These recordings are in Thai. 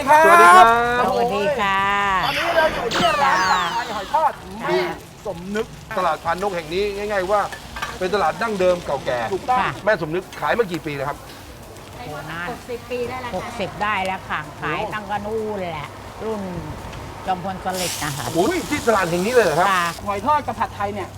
ครับสวัสดีครับสวัสดีค่ะตอนนี้เราอยู่ที่ร้านผัดไทยหอยทอดแม่สมนึกตลาดพานนกแห่งนี้ง่ายๆว่าเป็นตลาดดั้งเดิมเก่าแก่ถูกต้องค่ะแม่สมนึกขายมากี่ปีแล้วครับโหนาน 60 ปีได้แล้วค่ะ 60 ได้แล้วค่ะ ขายตั้งกระนู่นแหละ รุ่นจอมพลสฤษดิ์นะคะอุ้ยที่ตลาดแห่งนี้เลยเหรอครับค่ะหอยทอดกับผัดไทยเนี่ย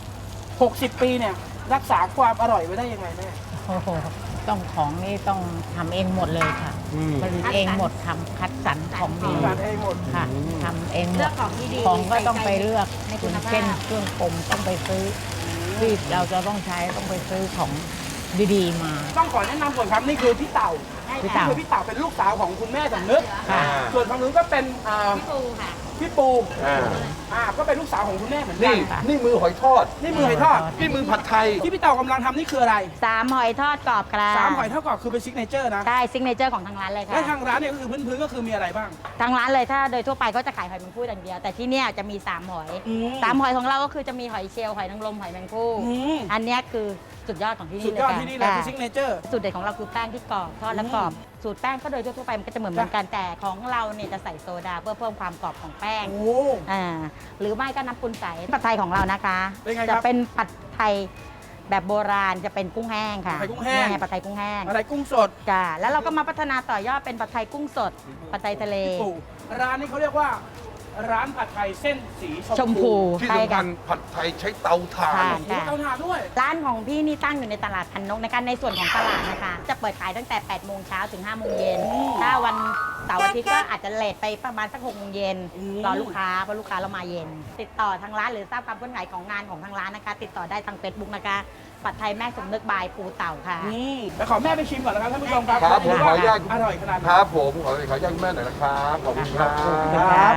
60 ปีเนี่ยรักษาความอร่อยไว้ได้ยังไงแม่โอ้โหต้องของนี่ต้องทำเองหมดเลยค่ะอืมผลิตเองหมดทำคัดสรรของดีทำงานเองหมดค่ะทำเองหมเลือดกของที่ดีของก็ต้องไปเลือกในคุณภาพเช่นเครื่องปรุงต้องไปซื้อที่เราจะต้องใช้ต้องไปซื้อของดีๆมาต้องขอแนะนำก่อนครับนี่คือพี่เต่าพี่เต่าคือพี่เต่าเป็นลูกสาวของคุณแม่สมนึกค่ะส่วนทางนู้นก็เป็นพี่ปูค่ะพี่ปูอ่าก็เป็นลูกสาวของคุณแม่เหมือนกันี่นนี่มือหอยทอดนี่มือหอยทอดนี่มือผัดไทยที่พี่เต่ากำลังทำนี่คืออะไร 3 หอยทอดกรอบครับสามหอยทอดกรอบคือเป็นซิกเนเจอร์นะใช่ซิกเนเจอร์ของทางร้านเลยค่ะและทางร้านเนี่ยก็คือพื้นๆก็คือมีอะไรบ้างทางร้านเลยถ้าโดยทั่วไปก็จะขายหอยแมงผู้อย่างเดียว แต่ที่เนี่ยจะมี 3 หอยอืม 3 หอยของเราก็คือจะมีหอยเชลล์หอยนางรมหอยแมงผู้อืมอันเนี้ยคือสุดยอดของที่สุนี่ดเลยยอดค่ะที่นี่เลยคือซิกเนเจอร์สูตรเด็ดของเราคือแป้งที่กรอบทอดและกรอบ สูตรแป้งก็โดยทั่วไปมันก็จะเหมือนกันแต่ของเราเนี่ยจะใส่โซดาเพื่อเพิ่มความกรอบของแป้งโอ้หรือไม่ก็น้ำปุนใสผัดไทยของเรานะคะเป็นไงครับจะเป็นผัดไทยแบบโบราณจะเป็นกุ้งแห้งค่ะผัดไทยกุ้งแห้งนี่ผัดไทยกุ้งแห้งอะไรกุ้งสดจ้ะแล้วเราก็มาพัฒนาต่อยอดเป็นผัดไทยกุ้งสดผัดไทยทะเลพี่ปู่ร้านนี้เขาเรียกว่า ร้านผัดไทยเส้นสีชมพูที่ใช่สำคัค่ะญผัดไทยใช้เตาถ่านค่ะมีเตาถ่านด้วยร้านของพี่นี่ตั้งอยู่ในตลาดพันนกนะคะในส่วนของตลาดนะคะ จะเปิดขายตั้งแต่ 8 โมงเช้าถึง 5 โมงเย็น ถ้าวันเสาร์อาทิตย์ก็อาจจะเลทไปประมาณสัก 6 โมงเย็นอืมรอลูกค้าเพราะลูกค้าเรามาเย็น ติดต่อทางร้านหรือทราบความเคลื่อนไหวของงานของทางร้านนะคะ ติดต่อได้ทาง Facebook นะคะผัดไทยแม่สมนึกบายปูเต่าค่ะแล้วขอแม่ไปชิมก่อนนะครับท่านผู้ชมครับครับผมว่าขออนุญาตอร่อยขนาดไหนครับผมขออนุญาตคุณแม่หน่อยนะครับขอบคุณครับครับ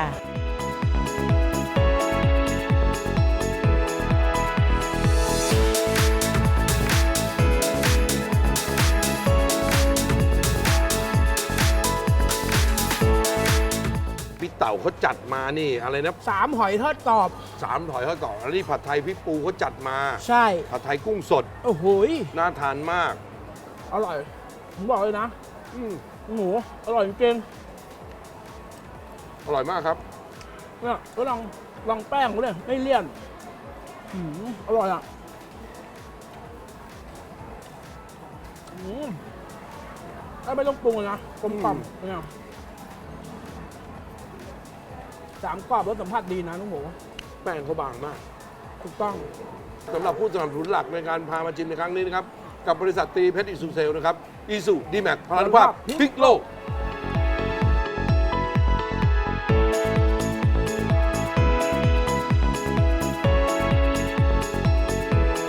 พี่เต่าเขาจัดมานี่อะไรนะ 3 หอยทอดกรอบ 3 ถอยเขาก่อนอันนี้ผัดไทยพี่ปูเขาจัดมาใช่ผัดไทยกุ้งสดโอ้โหยน่าทานมากอร่อย ผมบอกเลยนะอืมหมูอร่อยจริงอร่อยมากครับๆเนี่ยก็ลองแป้งเขาเลยไม่เลี่ยนอร่อยอ่ะถ้าไม่ต้องปรุงเลยนะกลมกล่อมเนี่ย3 กรอบรสสัมผัสดีนะน้องหมูแป้งเขาบางมากถูกต้องสำหรับผู้สนับสนุนหลักในการพามาชิมในครั้งนี้นะครับ กับบริษัทตรีเพชรอิสุเซลนะครับอิสุดีแม็กพลานุภาพพลิกโลก